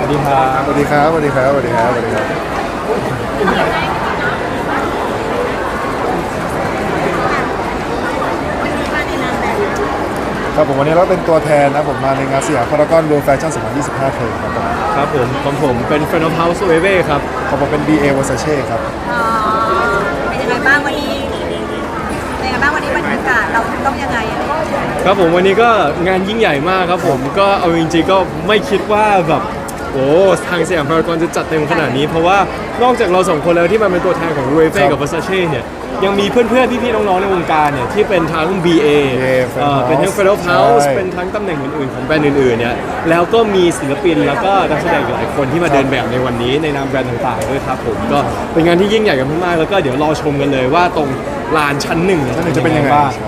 วัสดีครับสวัสดีครับสวัสดีครับสวัสดีครับสวัสดีครับครับผมวันนี้เราเป็นตัวแทนนะผมมาในงานสยามพารากอนเวิลด์แฟชั่น2025เทอมครับผมครับผมของผมเป็น Friend of House Wave ครับของผมเป็น BA Versace ครับอ๋อเป็นยังไงบ้างวันนี้เป็นยังไงบ้างวันนี้บรรยากาศเราต้องยังไงอะไรอย่างเงี้ยครับผมวันนี้ก็งานยิ่งใหญ่มากครับผมก็เอาจริงๆก็ไม่คิดว่าแบบโอ้ทางสยามพารากอนจะจัดเต็มขนาดนี้เพราะว่านอกจากเราสองคนแล้วที่มาเป็นตัวแทนของ Wave กับ Versace เนี่ยยังมีเพื่อนๆพี่ๆน้องๆในวงการเนี่ยที่เป็นทั้ง BA เป็นทั้ง Friend of House เป็นทั้งตำแหน่งอื่นๆของแบรนด์อื่นๆเนี่ยแล้วก็มีศิลปินแล้วก็นักแสดงหลายคนที่มาเดินแบบในวันนี้ในนามแบรนด์ต่างๆด้วยครับผมก็เป็นงานที่ยิ่งใหญ่กันมากๆแล้วก็เดี๋ยวรอชมกันเลยว่าตรงลานชั้นหนึ่งจะเป็นยังไงบ้าง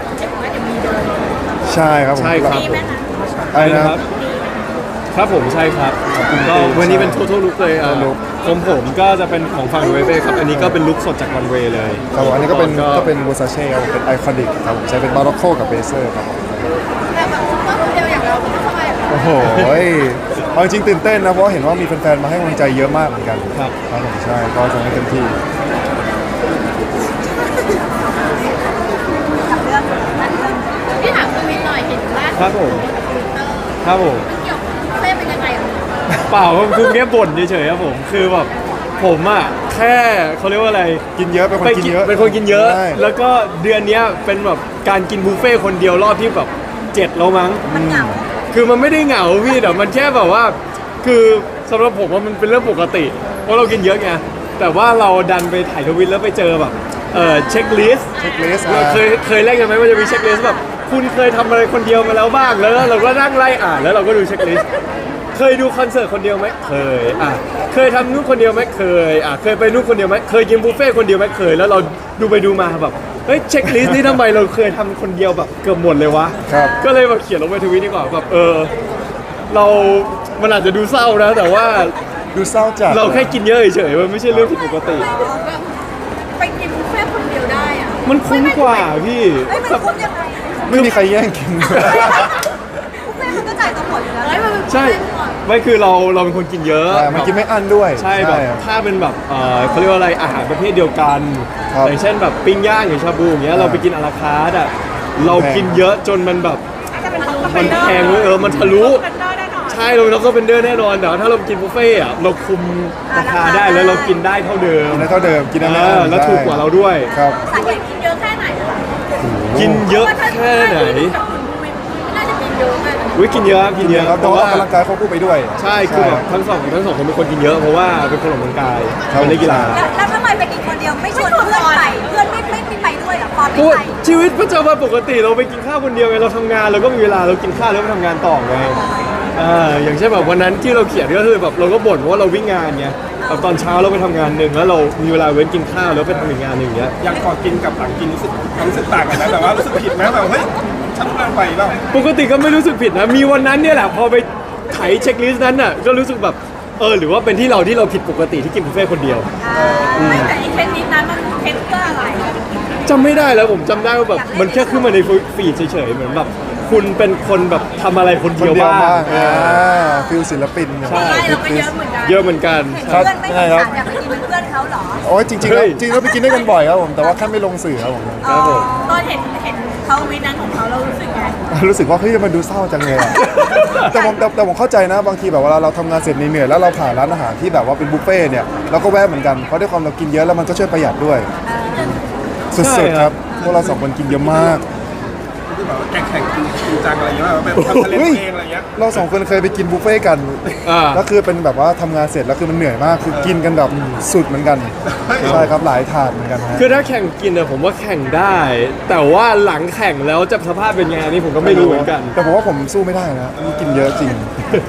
ใช่ครับผมใช่ครับอะไรนะครับครับผมใช่ครับก็วันนี้เป็น total look เลยของผมก็จะเป็นของฝั่งเวเบ้ครับอันนี้ก็เป็นลุคสดจากวันเวเลยครับผมอันนี้ก็เป็น Versace ครับผมเป็นไอคอนิกครับผมใช้เป็นบาร็อกโคกับเบเซอร์ครับผมแต่แบบซุปเปอร์โมเดลอย่างเราไม่ทำไมแบบโอ้โหเอาจริงตื่นเต้นนะเพราะเห็นว่ามีแฟนๆมาให้กำลังใจเยอะมากเหมือนกันครับผมใช่ก็จะให้เต็มที่พี่ถามคุณวินหน่อยเห็นล่าสุดครับผมครับผมเกี่ยวกับเต้เป็นยังไงอ่ะเปล่าคือแค่บ่นเฉยๆครับผมคือแบบผมอ่ะแค่เขาเรียกว่าอะไรกินเยอะเป็นคนกินเยอะเป็นคนกินเยอะแล้วก็เดือนนี้เป็นแบบการกินบุฟเฟ่คนเดียวรอบที่แบบ7แล้วมั้งมันเหงาคือมันไม่ได้เหงาพี่แต่มันแค่แบบว่าคือสำหรับผมว่ามันเป็นเรื่องปกติเพราะเรากินเยอะไงแต่ว่าเราดันไปถ่ายทวิตแล้วไปเจอแบบเช็คลิสต์เราเคยเล่นกันไหมว่าจะมีเช็คลิสต์แบบคุณเคยทำอะไรคนเดียวมาแล้วบ้างแล้วเราก็นั่งไล่อ่านแล้วเราก็ดูเช็คลิสต์เคยดูคอนเสิร์ตคนเดียวไหมเคยเคยทำนู่นคนเดียวไหมเคยเคยไปนู่นคนเดียวไหมเคยกินบุฟเฟ่คนเดียวไหมเคยแล้วเราดูไปดูมาแบบเฮ้ยเช็คลิสต์นี้ทำไมเราเคยทำคนเดียวแบบเกือบหมดเลยวะก็เลยแบบเขียนลงไปทวิตดีกว่าแบบเรามันอาจจะดูเศร้านะแต่ว่าดูเศร้าจัดเราแค่กินเยอะเฉยๆมันไม่ใช่เรื่องผิดปกติไปกินบุฟเฟ่คนเดียวได้อ่ะมันคุ้มกว่าพี่มันคุ้มยังไงไม่มีใครแย่งกินบุฟเฟ่มันก็จ่ายตัวหมดอยู่แล้วใช่ไม่คือเราเป็นคนกินเยอะมันกินไม่อั้นด้วยใช่แบบถ้าเป็นแบบเขาเรียกว่าอะไรอาหารประเภทเดียวกันอย่างเช่นแบบปิ้งย่างอย่างชาบูอย่างเงี้ยเราไปกินอาราคาร์ทอ่ะเรากินเยอะจนมันแบบมันแพงเลยมันทะลุใช่เราก็เป็นเดอร์แน่นอนแต่ถ้าเรากินบุฟเฟ่อะเราคุมราคาได้แล้วเรากินได้เท่าเดิมกินได้แล้วถูกกว่าเราด้วยครับสาเหตุกินเยอะแค่ไหนกินเยอะแค่ไหนน่าจะกินเยอะมากกินเยอะกินเยอะเพราะว่าออกกำลังกายเขาพูดไปด้วยใช่คือแบบทั้งสองคนเป็นคนกินเยอะเพราะว่าเป็นคนออกกำลังกายเป็นนักกีฬาแล้วทำไมไปกินคนเดียวไม่ชวนเพื่อนไปเพื่อนไม่ไปด้วยหรอพอไม่ไปชีวิตประจำวันปกติเราไปกินข้าวคนเดียวไงเราทำงานเราก็มีเวลาเรากินข้าวแล้วไปทำงานต่อไงอย่างเช่นแบบวันนั้นที่เราเขียนก็คือแบบเราก็บ่นว่าเราวิ่งงานไงแบบตอนเช้าเราไปทำงานหนึ่งแล้วเรามีเวลาเว้นกินข้าวแล้วไปทำอีกงานหนึ่งเงี้ยอย่างก่อนกินกับหลังกินรู้สึกต่างกันนะแบบว่ารู้สึกผิดไหมแบบเฮ้ยฉันเกินไปเปล่าปกติก็ไม่รู้สึกผิดนะมีวันนั้นเนี่ยแหละพอไปไถเช็คลิสต์นั้นน่ะก็รู้สึกแบบหรือว่าเป็นที่เราผิดปกติที่กินบุฟเฟ่คนเดียวไม่แต่ไอ้เทนนิสนั้นมันเทนเพื่ออะไรจำไม่ได้แล้วผมจำได้ว่าแบบมันแค่ขึ้นมาในฟีดเฉยๆเหมือนแบบคุณเป็นคนแบบทำอะไรคนเดียวบ้างฟิลศิลปินใช่เราก็เยอะเหมือนกันเพื่อนไม่ได้ครับอยากไปกินเป็นเพื่อนเขาหรอโอ้ยจริงเราไปกินด้วยกันบ่อยครับผมแต่ว่าแค่ไม่ลงสื่อครับผมตอนเห็นเขาวินั้นของเขาเรารู้สึกไงรู้สึกว่าเฮ้ยมันดูเศร้าจังเลยแต่ผมเข้าใจนะบางทีแบบเวลาเราทำงานเสร็จเหนื่อยแล้วเราผ่านร้านอาหารที่แบบว่าเป็นบุฟเฟ่เนี่ยเราก็แวะเหมือนกันเพราะด้วยความเรากินเยอะแล้วมันก็ช่วยประหยัดด้วยสุดๆครับพวกเรา2 คนกินเยอะมากที่แบบแข่งจริงจังอะไรเงี้ยแบบทำทะเลเองอะไรเงี้ยเรา2 คนเคยไปกินบุฟเฟ่กันแล้วคือเป็นแบบว่าทำงานเสร็จแล้วคือมันเหนื่อยมากคือกินกันแบบสุดเหมือนกันใช่ครับหลายถาดเหมือนกันคือถ้าแข่งกินผมว่าแข่งได้ แต่ว่าหลังแข่งแล้วจะสภาพเป็นไงนี่ผมก็ไม่รู้เหมือนกันแต่ผมว่าผมสู้ไม่ได้นะกินเยอะจริง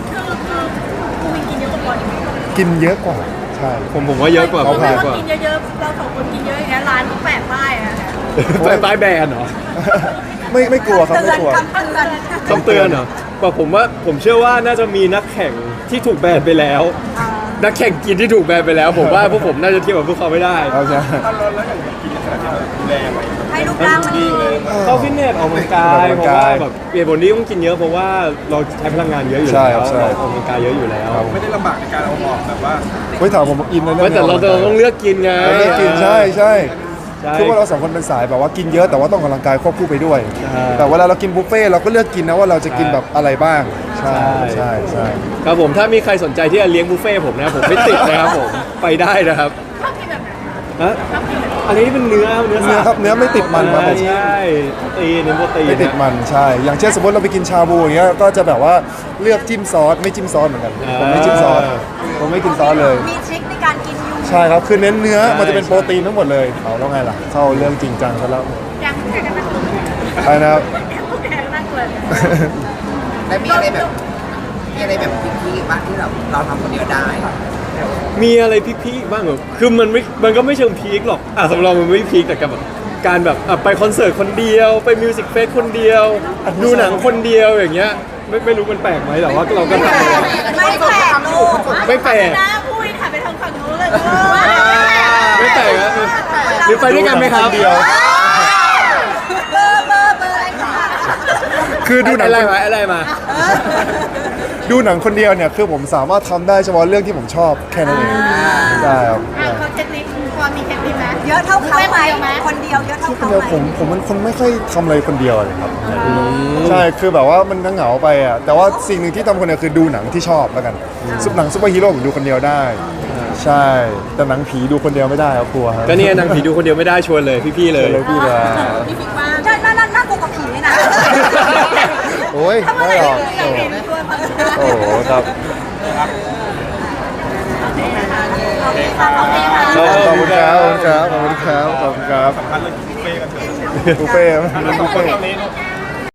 กินเยอะกว่าใช่ผมว่าเยอะกว่าเรากินเยอะๆเรา2 คนกินเยอะอย่างเงี้ยร้านแปะป้ายอะแปะป้ายแบนเหรอไม่กลัวครับไม่กลัวคำเตือนเหรอผมเชื่อว่าน่าจะมีนักแข่งที่ถูกแบนไปแล้วนักแข่งกินที่ถูกแบนไปแล้วผมว่าพวกผมน่าจะเทียบกับพวกเขาไม่ได้ใช่แล้วอย่างกินแบบที่เราดูแลไว้ให้รูปร่างมันดีเข้าฟิตเนสออกกำลังกายเพราะว่าแบบเปลี่ยนบนนี้ต้องกินเยอะเพราะว่าเราใช้พลังงานเยอะอยู่ใช่แล้วครับใช่เราออกกำลังกายเยอะอยู่แล้วไม่ได้ลำบากในการเอาออกแบบว่าเฮ้ยถามผมอินเลยไม่แต่เราต้องเลือกกินไงเราเลือกกินใช่ใช่ใช่คือว่าเราสองคนเป็นสายแบบว่ากินเยอะแต่ว่าต้องออกกำลังกายควบคู่ไปด้วยใช่แต่เวลาเรากินบุฟเฟ่ต์เราก็เลือกกินนะว่าเราจะกินแบบอะไรบ้าง ใช่ใช่ใช่ใช่ครับผมถ้ามีใครสนใจที่จะเลี้ยงบุฟเฟ่ต์ผมนะผมไม่ติดนะครับผมไปได้นะครับฮะอันนี้เป็นเนื้อเนื้อครับเนื้อไม่ติดมันครับผมใช่ตีนเนื้อโปรตีนไม่ติดมันใช่ อย่างเช่นสมมติเราไปกินชาบูอย่างเงี้ยก็จะแบบว่าเลือกจิ้มซอสไม่จิ้มซอสเหมือนกันผมไม่จิ้มซอสผมไม่กินซอสเลยมีทริคในการกินอยู่ใช่ครับคือเน้นเนื้อมันจะเป็นโปรตีนทั้งหมดเลยเอาแล้วไงล่ะเข้าเรื่องจริงจังซะแล้วยังแข่งกันนะคุณไปนะครับแข่งกันนั่งเลยแล้วมีอะไรแบบพี่บ้างที่เราทำคนเดียวได้มีอะไรพีคๆบ้างเหรอคือมันก็ไม่เชิงพีคหรอกสำหรับเรามันไม่พีคแต่กับแบบการแบบไปคอนเสิร์ตคนเดียวไปมิวสิกเฟสคนเดียว ดูหนังคนเดียวอย่างเงี้ยไม่รู้มันแปลกไหมแต่ว่าเราก็ทำไม่แปลกลูกไม่แปลกนะพูดค่ะไปทางฝั่งนู้นเลยไม่แปลกนะหรือไปด้วยกันไหมครับเดียวเบอร์อะไรคะคือดูหนังอะไรมาดูหนังคนเดียวเนี่ยคือผมสามารถทำได้เฉพาะเรื่องที่ผมชอบแค่นั้นเองได้ครับเขาเทคนิคพอมีเทคนิคไหมเยอะเท่าเขาไหมคนเดียวเยอะเท่าคนเขาเดียวไหมผมเป็นคนไม่ค่อยทำอะไรคนเดียวเลยครับใช่คือแบบว่ามันเหงาไปอ่ะแต่ว่าสิ่งหนึ่งที่ทำคนเดียวคือดูหนังที่ชอบแล้วกันหนังซุปเปอร์ฮีโร่ผมดูคนเดียวได้ ใช่แต่หนังผีดูคนเดียวไม่ได้ครับกลัวครับก็เนี่ยนางผีดูคนเดียวไม่ได้ชวนเลยพี่ๆเลยเลยพี่เลยพี่ฟิกว่าใช่น่ากลัวกับผีเลยนะโอ้ยถ้าเมื่อไม่ไหร่หรอกอยากเห็นช่วยมาโอ้โหครับโอเคค่ะโอเคค่ะขอบคุณครับขอบคุณครับขอบคุณครับสำคัญเลยบุฟเฟ่ต์กันเถอะบุฟเฟ่ต์บุฟทุกคนเฟ่ต์ตอนนี้เนอะ